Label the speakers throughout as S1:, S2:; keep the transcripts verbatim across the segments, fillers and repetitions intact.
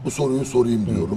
S1: bu soruyu sorayım diyorum.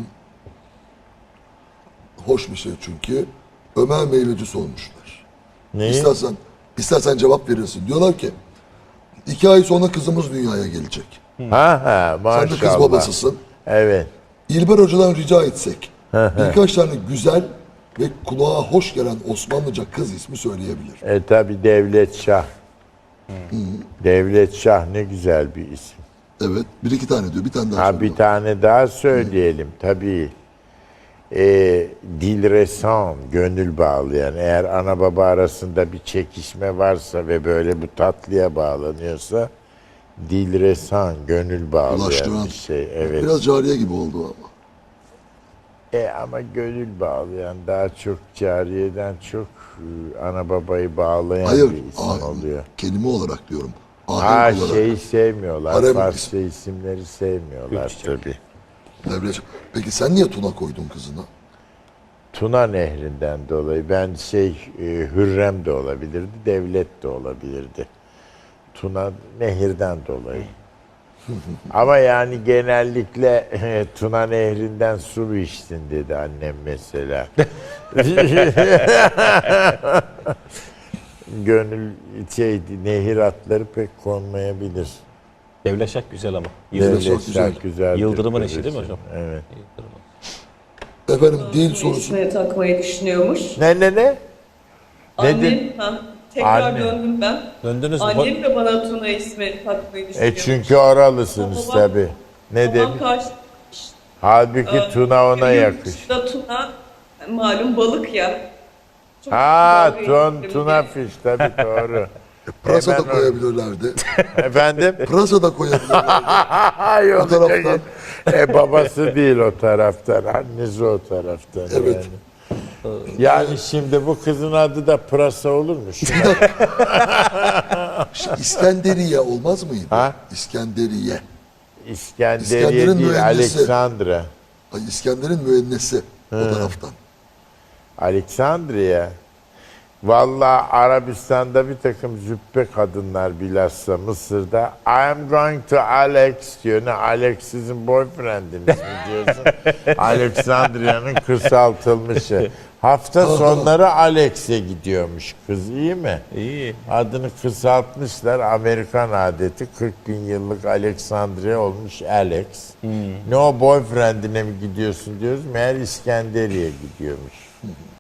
S1: Hoş bir şey çünkü. Ömer Meyveci sormuşlar.
S2: Neyi?
S1: İstersen, istersen cevap verirsin. Diyorlar ki, iki ay sonra kızımız dünyaya gelecek.
S2: Ha ha maşallah.
S1: Sen de kız babasısın.
S2: Evet.
S1: İlber Hoca'dan rica etsek, birkaç tane güzel ve kulağa hoş gelen Osmanlıca kız ismi söyleyebilir.
S2: E tabi Devlet Şah. Devlet Şah ne güzel bir isim.
S1: Evet, bir iki tane diyor, bir tane daha
S2: Ha
S1: söylüyor.
S2: bir tane daha söyleyelim tabii. E, Dilresan, gönül bağlayan. Eğer ana baba arasında bir çekişme varsa ve böyle bu tatlıya bağlanıyorsa Dilresan, gönül bağlayan
S1: Ulaştıran.
S2: bir şey. Evet.
S1: Biraz cariye gibi oldu ama.
S2: E ama gönül bağlayan daha çok cariyeden çok e, ana babayı bağlayan
S1: Hayır,
S2: bir isim
S1: ah-
S2: oluyor.
S1: kelime olarak diyorum.
S2: Ha
S1: Ahenk olarak.
S2: şeyi sevmiyorlar.
S1: Harem
S2: Farsça isimleri sevmiyorlar tabii.
S1: Devlet- Peki sen niye Tuna koydun kızına?
S2: Tuna Nehri'nden dolayı ben şey e, Hürrem de olabilirdi, Devlet de olabilirdi. Tuna Nehir'den dolayı. Ama yani genellikle e, Tuna Nehri'nden su içtin dedi annem mesela. Gönül şeydi, nehir atları pek konmayabilir.
S3: Devleşak güzel ama.
S1: Devlet
S2: Devlet
S1: çok güzel.
S2: Şah güzeldir
S3: Yıldırım'ın
S2: karısı.
S3: eşi değil mi hocam?
S2: Evet.
S1: Efendim dil sorusu.
S4: İsmini takmayı düşünüyormuş.
S2: Ne ne ne?
S4: Annem,
S2: Nedir?
S4: ha, tekrar
S2: Anne.
S4: döndüm ben.
S3: Döndünüz mü?
S4: Annem de bana Tuna ismi takmayı
S2: E
S4: düşünüyormuş.
S2: çünkü oralısınız
S4: Babam-
S2: tabi. Ne
S4: Babam
S2: demiş?
S4: karşı...
S2: Halbuki
S4: Ee,
S2: Tuna ona
S4: yurt
S2: yakış.
S4: dışında Tuna, malum balık ya. Çok
S2: Ha,
S4: dalga
S2: ton,
S4: geçtim
S2: tuna
S4: diye.
S2: fiş tabii doğru.
S1: Pırasa da
S2: Hemen o-
S1: koyabilirlerdi.
S2: Efendim?
S1: Pırasa da koyabilirlerdi.
S2: Ay,
S1: O taraftan.
S2: E babası değil o taraftan, annesi o taraftan.
S1: Evet.
S2: Yani. Yani şimdi bu kızın adı da Pırasa olur mu? Şu-
S1: Ş- İskenderiye olmaz mıydı?
S2: Ha?
S1: İskenderiye.
S2: İskenderiye
S1: İskender'in
S2: değil,
S1: mühendisi.
S2: Aleksandra.
S1: Ay, İskender'in müennesi o taraftan.
S2: Aleksandriye. Vallahi Arabistan'da bir takım züppe kadınlar bilhassa Mısır'da I am going to Alex diyor. Ne Alex sizin boyfriendiniz mi diyorsun? Alexandria'nın kısaltılmışı. Hafta sonları Alex'e gidiyormuş kız, iyi mi?
S3: İyi.
S2: Adını kısaltmışlar, Amerikan adeti. kırk bin yıllık Alexandria olmuş Alex. Ne o boyfriendine mi gidiyorsun diyoruz. Meğer İskenderiye gidiyormuş.